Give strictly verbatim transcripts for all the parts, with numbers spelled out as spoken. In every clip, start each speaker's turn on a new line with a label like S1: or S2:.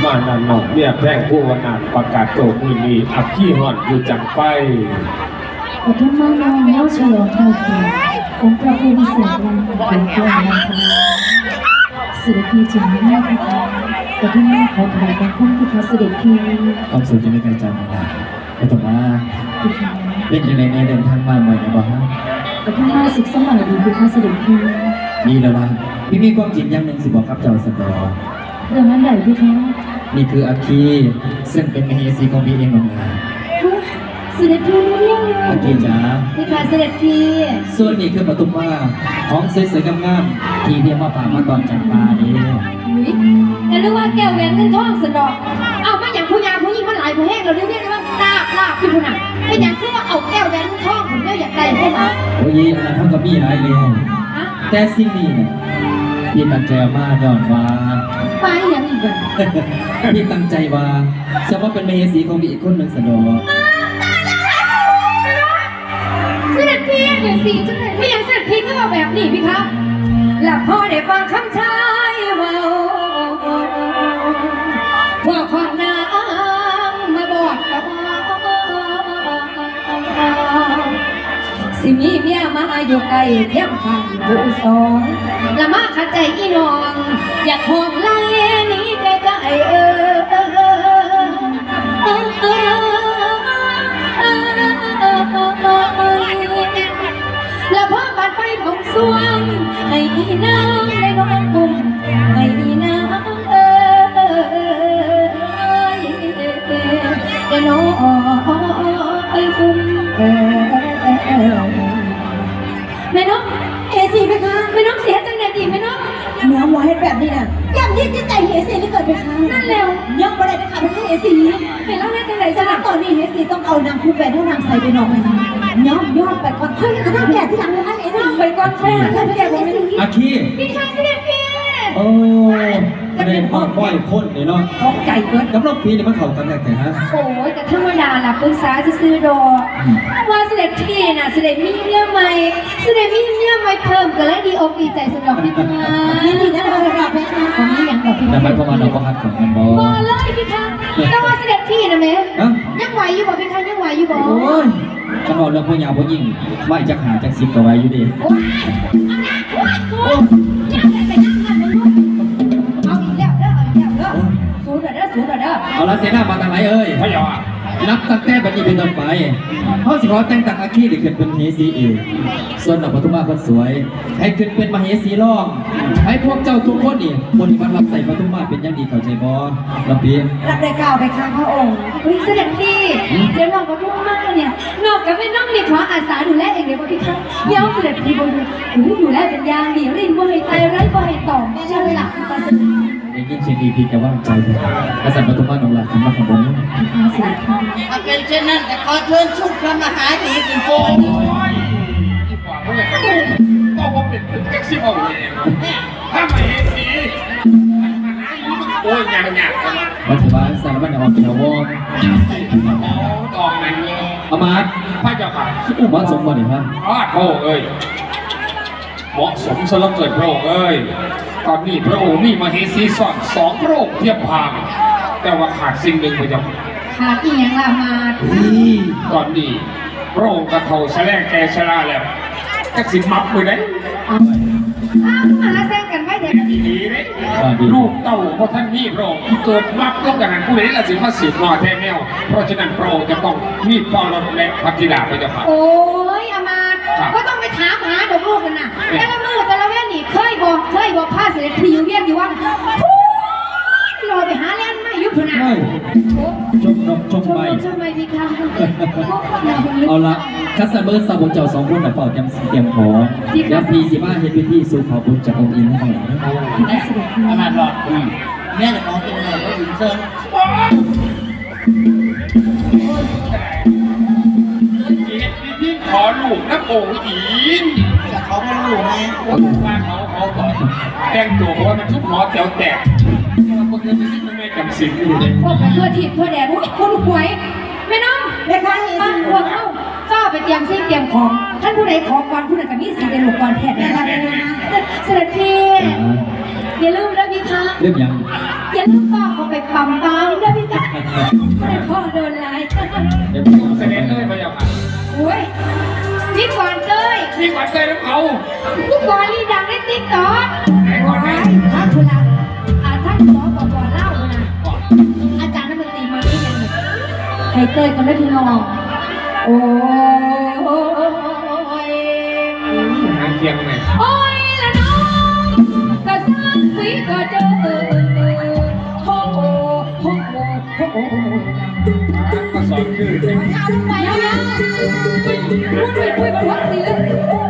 S1: มานันนอกเนี่ยแพร่งผู้วนาดประกาศโตมือนีอักขี้หอนอยู่จังไป
S2: ปฐมมาน้องเลี้ยวเฉลิมเท่าเทียมองค์พระผู้วิเศษวันเป็นตัวนันทนาศิลปีจึงไม่ได้ค่ะปฐมมาขอถวายบังคมที่พระเสด็จพี่
S3: ความสุขจะไม่ไกลจากนะปฐมมาเป็นยังไงในเดินทางมาใหม่นะบ้าง
S2: ปฐมมาศึกสมัยดีคือพระเสด็จพี่
S3: ดีแล้วล่ะพี่มีความจริงอย่างหนึ่งสิบอกครับเจ้าสันดอ
S2: เรื่องนั้นใดพี่คะ
S3: นี่คืออาคีซึ่งเป็นมเหสีของพี่เองน้องนา
S2: เสด็จพี่
S3: อาคีจ๋า
S2: พี่ค่ะเสด็จพี่
S3: ส่วนนี้คือปฐุมมาของสวยๆงามๆที่เรียกว่าป่ามาตอนจันปาดี
S2: แต่รู้ว่าแก้วแหวนเงินทองสนอกเอามาอย่างผู้ยาผู้ยิ่งมันหลายผู้แห้งเราเรียกได้ว่าลาบลาบพี่ผู้หนักไม่อย่างคือว่าเอาแก้วแหวนเงินทองผมเรียกอยากได้ใช่ไหม
S3: โอ้ยอันนั้นเท่ากับพี่หลายเลยแต่สิ่งนี้เนี่ยพี่ตั้งใจมาย้อนว่า
S2: ไปอย่างอีกแบบ
S3: พี่ตั้งใจว่าจะว่าเป็นมเหสีของพี่อีกคนหนึ่งสนอ
S2: เสด็จพี่เดี๋ยวสิจังเลยไม่ยังเสด็จพี่ก็เอาแบบนี้พี่ครับหลับพ่อได้ฟังคำชายว่าว่าคนนางมาบอกกับสิมีเมียมาอยู่ไกลเทียมข้างผู้สองละมาขัดใจอีน้องอยากห้องไล่นี้ไกลไกลเออแล้วพ่อปัดไปของสวงให้อีนางได้นอนกุมให้อีนางเอ้ยได้นอนกุมแม่น้องเอซีไหมคะแม่น้องเสียจังไหนดีแม่น้องเนื้อวัวเห็ดแบบนี้น่ะอย่างนี้จิตใจเฮซีนี่เกิดไปค่ะนั่นแล้วยังไม่ได้นะคะไม่ใช่เฮซีเห็นแล้วแม่จังไหนจ้ะตอนนี้เฮซีต้องเอานางคู่แฝดให้นางใส่ไปนอนมันย้อมยอดไปก่อนเฮ้ยจะต้องแก่ที่หลังเลยนะเฮซีไปก่อนแค่แค่แก่ผมไม่รู้
S3: อาคี
S2: พี่ชายเสด็จพี่
S3: โอ้ประเด็นพ่อพ่อยคนเลยเนาะ
S2: ท้องใจเกิน
S3: กับรอบปีนี่มันเข่ากันแต่ฮะ
S2: โอ้ยแต่ธรรมดาล่ะปรึกษาจะซื้อดอว่าเสด็จพี่น่ะเสด็จมีเมียใหม่เสด็จมีเมียใหม่เพิ่มก็เลยดีอกดีใจสำหรับพี่มายินดีนะเราเราไปค่ะของนี้อย่างแบบพี่
S3: แต่ไม่เพราะว่าเราก็ฮักของมันบอ
S2: บอเลยพี่คะแต่ว่าเสด็จพี่นะแม่ยังไหวอยู่บ่พี่คะยังไหวอยู่บ่
S3: โอ้ยฉันบอกเรื่องพวกยาวพวกยิงไม่จะหาจากสิบก็ไว้อยู่ดีเอาละเสนามาทางไหนเอ้ย
S1: พะยา
S3: นับตั้งแต่บัดนี้เป็นต้นไปเขาสิขอแต่งตั้งอาคีได้ขึ้นเป็นมเหสีเองส่วนดอกปฐุมาคนสวยให้ขึ้นเป็นมเหสีรองให้พวกเจ้าทุกคนนี่คนที่มันรับใส่ปฐุมาเป็นอย่างดีเข้าใจบ่ลำเพียง
S2: รับได้กล่าวไปข้างพระองค์วิเสด็จพี่เดี๋ยวน้องปฐุมาเนี่ยนอกจากไม่น้องนี่ขออาสาดูแลเองเดี๋ยวพี่ครับย้อมเสด็จพี่บนดูดูแลเป็นยางดีรินบ่ให้ตายไร้บ่ให้ต่อไม่ใช่หลัก
S3: ยิ่งเช่นดีพี่จะว่างใจเลยกษัตริย์ปฐุมาหนองหลักสำหรับของผม
S4: ถ้าเป็นเช่นนั้นแต่ขอเชิญชุกพระมหาดีเป็นโกง
S1: ก็ว่าเป็นแท็กซี่เอาเลยถ้าไม่เห็นสีโอ้ยยังยัง
S3: รัฐบาลสารบัญญัติออกจากวง
S1: ออกนั่น
S3: อามา
S1: พระเจ้าค่ะ
S3: อุบัติสมบัติครับ
S1: อ้าโธ่เอ้ยเหมาะสมสำหรับเกิดพระองค์เอ้ยตอนนี้พระองค์มีมเหสีสอนสองพระองค์เทียบพางแต่ว่าขาดสิ่งหนึ่งไปจัง
S2: ขาดอีหยังล่ะมา
S1: ตอนนี้พระองค์กระเทาแสลงแกชราแล้วแท็กซี่มับมือไหน
S2: อ้าวมาแซงกันไว้เด็ก
S1: ดีเลยลูกเต้าเพราะท่านนี่พระองค์เกิดมับต้องกันนั้นผู้ใดละสิมาสืบนอแท้แนวเพราะฉะนั้นพระองค์จะต้องมีปอลและพัทิดาไปจะผ่าน
S2: โอ้ยอามาก็ต้องไปถามหาดอกลูกกันนะแต่ละมือแต่ละแว่นนี่เคยบอกเคยบอกผ้าเสด็จพี่อยู่เวียนอยู่ว่ารอไปหาแล่นไม่ยุบพนะ
S3: ชมนกชมใบ
S2: ชมใบพี่ค่ะ
S3: เอาละคัสเบอร์สาวเจ้าสองคนแต่เป่าเตรียมเตรียมขอยับพีสิบ้าเฮ็ดพิธีสู่ขอบุญจากองค์อินให้หน่อย
S4: ขนาดหลอดแม่จะมองเป็นอะไรก็อินเซิร์
S1: ที่ขอลูกนักองค์อิน
S4: จะเขาเป็นลูกไหม
S1: ว่าเขาเขาก่อนแต่งตัวเพราะว่ามันทุกหมอแถวแตกพวกนี้ไม่จำสิ่งอยู่เลย
S2: พวกกันเพื่อทิพย์เพื่อแดดคนหวยไม่น้องเด็กใครมาพวกเขาก็ไปเตรียมซิ่งเตรียมของท่านผู้ใดขอก่อนผู้ใดกับมีสีเดลุกก่อนแทนได้เลยนะเสด็จพี่อย่าลืมนะพี่คะ
S3: เรื่องหยัง
S2: อย่าลืมฝากเขาไปปั๊มปั๊มนะพี่คะไม่ได้พ่อโดนไล่
S3: เดี๋ยว
S1: เสด็จเลยพระเจ้าค่ะ
S2: โอ้ยนี่ก่อนเต้ย
S1: นี่ก่อนเตยน้ำเขา
S2: ทุกก่อนนี่ดังในติ๊กต็อก
S1: ไหนก่อนไหน
S2: ท่านคุณละอ่าท่านหมอบอกก่อนเล่านะอาจารย์นักดนตรีมาที่ยังหนึ่งให้เต้ยก่อนนะพี่น้องโอ้ย
S1: หางเคียงไหม
S2: โอ้ยละน้องก็สร้างสีก็เจอโอ้โหโอ้โหโอ้โห
S1: ก็สอนคือ
S2: เอาลงไปแล้วนะพูดไปคุยกับวัดสิเลย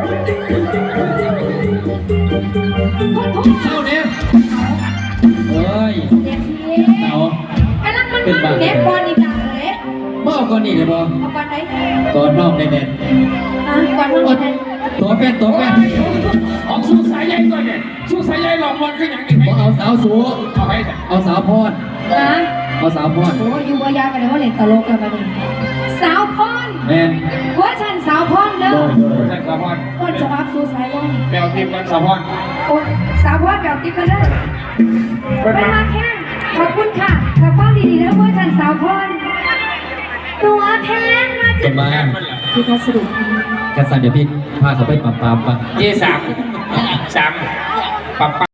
S2: พูดพูด
S3: เศร้าเนี่ยเฮ้ย
S2: เด็กที
S3: เต่าก
S2: ำลังมันมันเด็กบอลอีกต่างเลย
S3: มาเอาก่อนนี่เลยบ่
S2: เอาบอลไหน
S3: ก่อนนอกแน่น
S2: อ่ะบอล
S3: ๆ
S2: บอลไหน
S3: ตัวแฟนตัวแฟน
S1: ออกสู้สายใหญ่ตัวเนี่ยสู้สายใหญ่หลอกมันก็อย่างนี้ไหม
S3: บ่เอาสาวสู
S1: เอาให้แต่
S3: เอาสาวพร
S2: นะ
S3: เอาสาวพร
S2: โอ้ยอยู่วายากันเลยว่าเล่นตลกกันมาดิสาวพร
S3: แม่น
S2: หัวฉันสาวพรเด้อ
S3: โดยโดย
S1: ท่านสะพอน
S2: ต้นฉบับสู่สายวัน
S1: แปลทีมกันสะพอน
S2: โอ้สาวพรแบบติ๊กกันเลย
S1: เป็น
S2: เป็น
S1: มา
S2: มาแค่ขอบคุณค่ะกับความดีๆแล้วหัวฉันสาวพรตัวแทนมา
S3: เป็นมา
S1: แค่มันเหรอ
S2: ที่พัสดุ
S3: กระสันเดี๋ยวพี่พาเขาไปปรับปรามปะ
S1: เจสามสามปับ